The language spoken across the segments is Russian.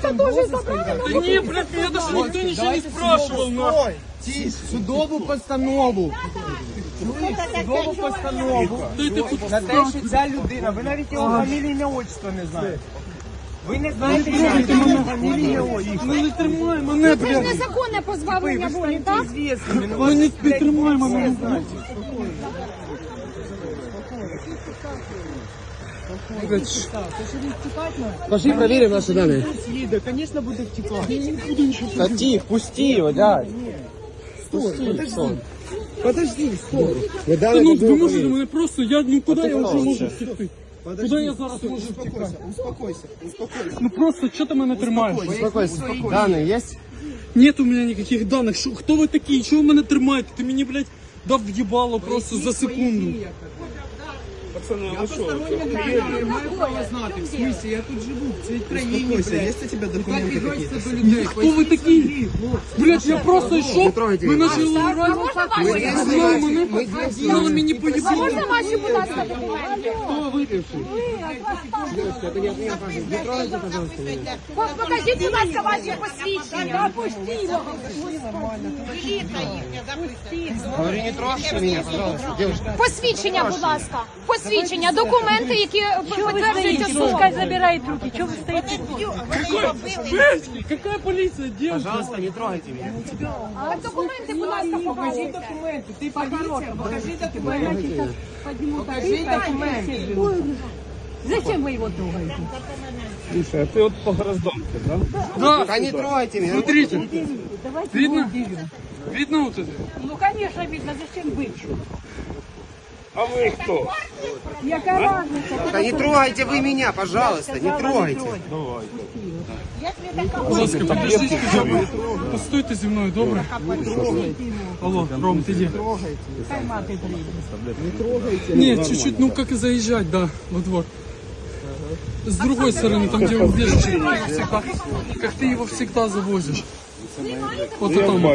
это тоже забрали. Да не, блядь, меня даже никто ничего не спрашивал, нахуй. Судову постанову. Судову постанову. Ти тут На те, що ця людина, ви навіть його фамілії, ім'я, отчество не знаєте. Ви не знаєте його фамілії, ім'я, отчество. Ну не тримай мене, Це ж блядь. незаконне позбавлення волі, так? Ну не тримай мене. Пошли проверим наши данные. Да, конечно, буду втекать. Да тихо, пусти его, да. Подожди, стой. Та ну ви можете мене просто, куди я вже можу втекти? Куди я зараз можу втекати? Успокойся. Ну просто, що ти мене тримаєш? Успокойся. Данные есть? Нет у меня никаких данных. Хто ви такі? Чого ви мене тримаєте? Ти мені, блядь, дав в'їбало просто за секунду. В смысле, я тут живу, в цій країні, есть у тебя документы какие-то? Хто ви такі? Блядь, я просто йшов, ви почали орати. Знали мене, знали мені А поїбало. можна ваші, будь ласка, документи? Кто выпивший? Покажіть, будь ласка, ваші посвідчення. Говори, не трогайте меня, пожалуйста, девушка. Посвідчення, будь ласка. Посвідчення, документи, які підтверджують особу. Пускай забирает руки. Чего вы стоите? Блядь, какая полиция, девушка? Пожалуйста, не трогайте меня. А документи, будь ласка, покажіть. Ты по-хорошему, покажи документы. Покажи документы. Зачем вы его трогаете? Слушай, а ты вот по гражданке, да? Да. Да не трогайте меня. Смотрите, Давайте видно? его удивим. Видно вот это? Ну, конечно, видно. Зачем бывший? А вы кто? Яка разница? Да не трогайте вы меня, пожалуйста, не трогайте. Будь ласка, подождите, хоча б. Постойте зі мною, добре? Алло, Ром, ты где? Хай мати приїде. Нет, чуть-чуть, ну как и заезжать, да, во двор. С другой стороны, там где убежище, всегда, как ты его всегда завозишь. Вот это там.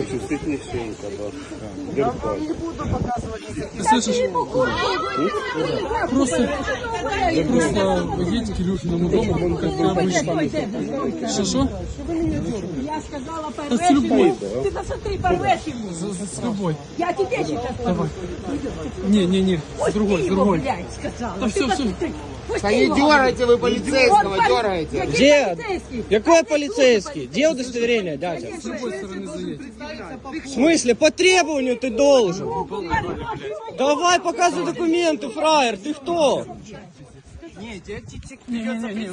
Ты слышишь? Просто едь к Илюшиному дому, как обычно. Что? Я сказала, Да порвешь с любой. ему. Ты посмотри, порвешь ему. С любой. Я тебе сейчас Давай. Не, с другой, с его, другой. блядь, сказала. Да Ты всё, всё. посмотри. Пусти Да не его. дергайте вы полицейского, Он дергаете. Какой Где? полицейский? Какой полицейский? Где удостоверение, дядя? С другой стороны заедь. В смысле? По требованию ты должен. Давай показывай документы, фраер. Ты кто? Не,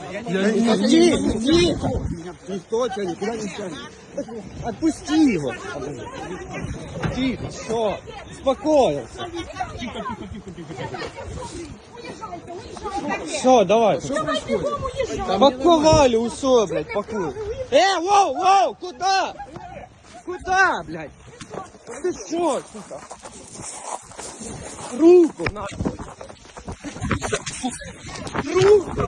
Тихо. Никто тебя никуда не тянет. Отпусти его. Тихо, все. Успокоился. Все, давай. Паковали усё, блядь, пакуй. Воу, куда? Куда, блядь? Ты что, сука? Руку, нахуй. Руку.